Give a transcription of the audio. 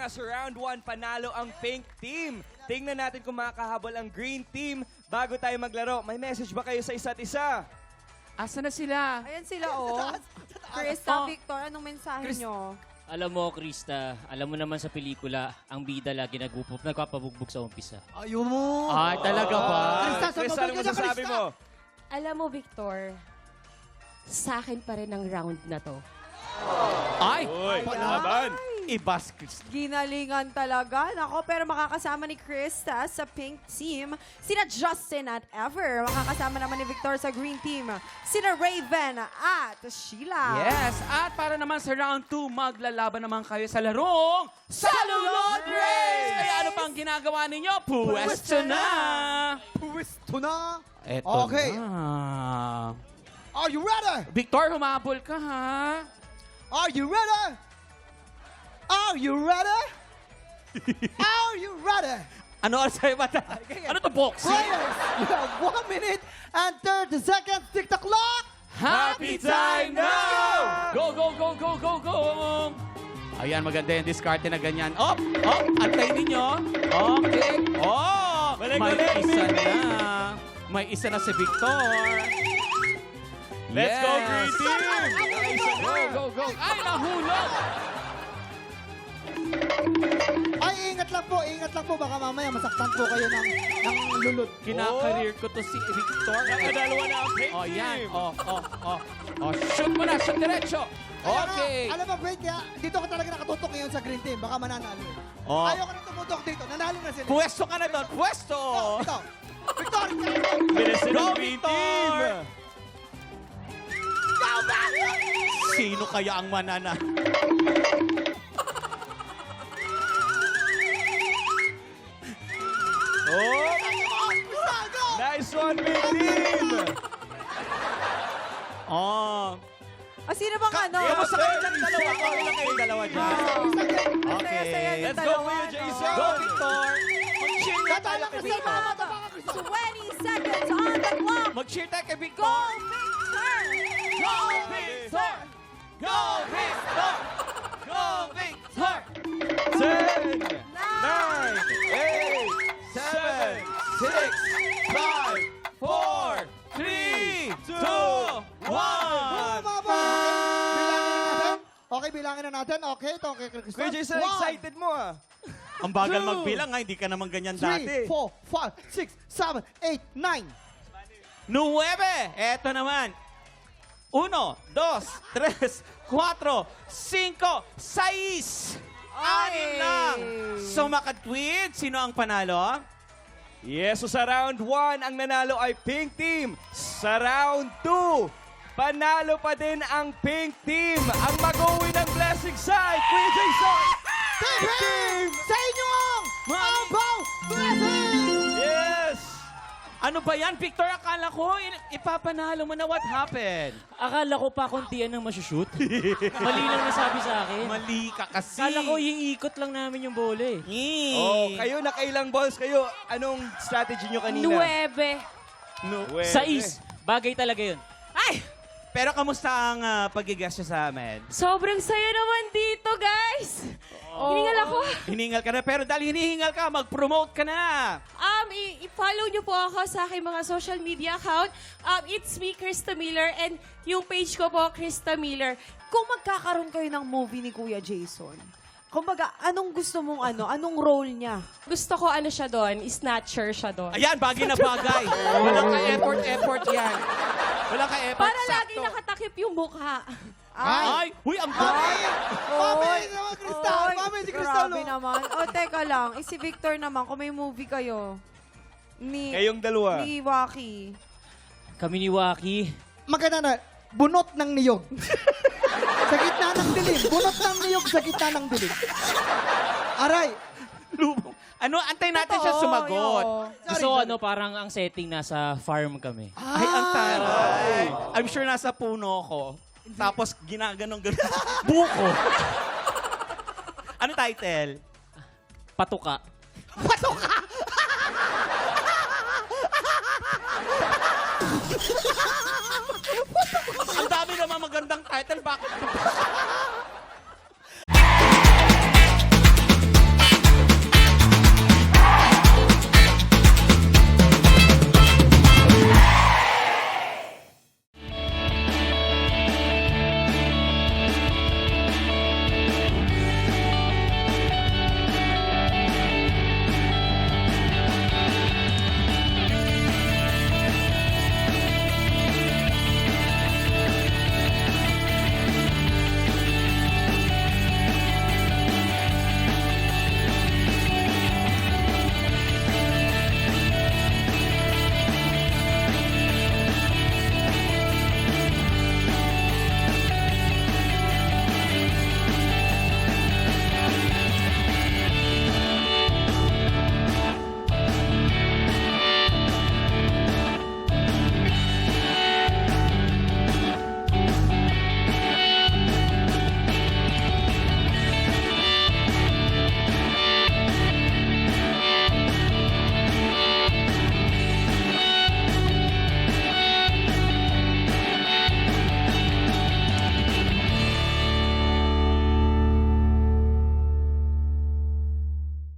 sa round 1, panalo ang pink team. Tingnan natin kung makakahabol ang green team bago tayo maglaro. May message ba kayo sa isa't isa? Asa na sila? Ayan sila, oh. Krista, Oh. Victor, anong mensahe nyo? Alam mo, Krista, alam mo naman sa pelikula, ang bida lagi nagpapabugbog sa umpisa. Ayaw mo. Ay, talaga ba? Krista, ano masasabi mo? Alam mo, Victor, sa akin pa rin ang round na to. Ay! Uy, laban! Ibas, Krista. Ginalingan talaga. Nako, pero makakasama ni Krista sa pink team. Sina Justin at Ever. Makakasama naman ni Victor sa green team. Sina Raven at Sheila. Yes, at para naman sa round 2, maglalaban naman kayo sa larong Salulod Race! Kaya ano pang ginagawa ninyo? Pwesto na! Pwesto na. Eto Okay. na. Are you ready? Victor, humabol ka, ha? Are you ready? Are you ready? Are you ready? Ano oras sa'yo, bata? Ano to, boxing? Players, you have 1 minute and 30 seconds. Tick the clock. Happy time now! Go, go, go, go, go, go! Ayan, maganda yung diskarte na ganyan. Antayin ninyo. Okay. Balik, May balik, isa Vic. na. May isa na si Victor. Let's go, Yes. green team! Go, go, go. Ay, nahulog! Ay, ingat lang po. Baka mamaya masaktan po kayo ng lulot. Kinakareer ko to si Victor. Nakadalawa na ang pink Oh, team! yan. Shoot mo na, shoot diretso. Okay. Alam mo, Brad, dito ka talaga nakatutok ngayon sa green team. Baka mananalo. Oh. Ayaw ka na tumutok dito. Nanalo na sila. Pwesto ka na doon. Pwesto! Ito. Victor, Bilisin Go, ang green team! Victor! Sino kaya ang manana? Oh! Nice one, pink team! Oh. Sino bang ano? Kamusta kayo dyan dalawa? Okay lang kayong dalawa dyan. Okay. Saya-saya yung Let's go, dalawa, Kuya no? Jason! Go, Victor! Mag-cheer na tayo kay Victor. 20 seconds on the clock. Mag-cheer tayo kay Go, Victor! Victor! Go, Victor! Go, Victor! Go, Victor! 10, 9, 8, 7, 6, 5, 4, 3, 2, 1! Okay, bilangin na natin. Okay, ito kay Krista. Kuya Jason, excited mo ah. Ang bagal 2, magbilang, ha? Hindi ka naman ganyan 3, dati. 4, 5, 6, 7, 8, 9. 9! Eto naman. 1, 2, 3, 4, 5, 6! Anim lang! So, makatwid, sino ang panalo? Yes, so sa round 1, ang nanalo ay pink team. Sa round 2, panalo pa din ang pink team. Ang mag-uwi ng blessing side, Kuya Jason! Team! Sa inyo ang Abaw Blessing! Yes! Ano ba yan, Victor? Akala ko, ipapanalo mo na. What happened? Akala ko pa kontian ng masushoot. Mali lang nasabi sa akin. Mali ka kasi. Akala ko iikot lang namin yung bola eh. Oh, kayo nakailang balls kayo. Anong strategy nyo kanina? 9. Pwede. 6. Bagay talaga yun. Ay! Pero kamusta ang pag-guest sa amin? Sobrang saya naman dito, guys. Hiningal ako. Hiningal ka na, pero dahil hinihingal ka, mag-promote ka na. I-follow niyo po ako sa aking mga social media account. It's me, Krista Miller, and yung page ko po, Krista Miller. Kung magkakaroon kayo ng movie ni Kuya Jason, kumbaga, anong gusto mong anong role niya? Gusto ko ano siya doon, snatcher siya doon. Ayan, bagay na bagay. Walang ka-effort yan. Walang ka-effort. Para lagi Sakto. nakatakip yung mukha. Ay! Uy, ang Mami! bagay! Mami naman, Crystal! Oy, Mami, si Crystal! Grabe naman. O, teka lang. Si Victor naman, kung may movie kayo, Kayong dalawa. ni Waki. Kami ni Waki. Maganda na, bunot ng niyog. Sa gitna ng dilim. Bunot ng niyog sa gitna ng dilim. Aray! Lubong. Ano, antay natin siya Totoo, sumagot. yo. So ano, parang ang setting nasa farm kami. Ay, ang taray. I'm sure nasa puno ko. Tapos ginaganong-ganon. Buko. Ano title? Patuka. Ang dami naman magandang title. Bakit?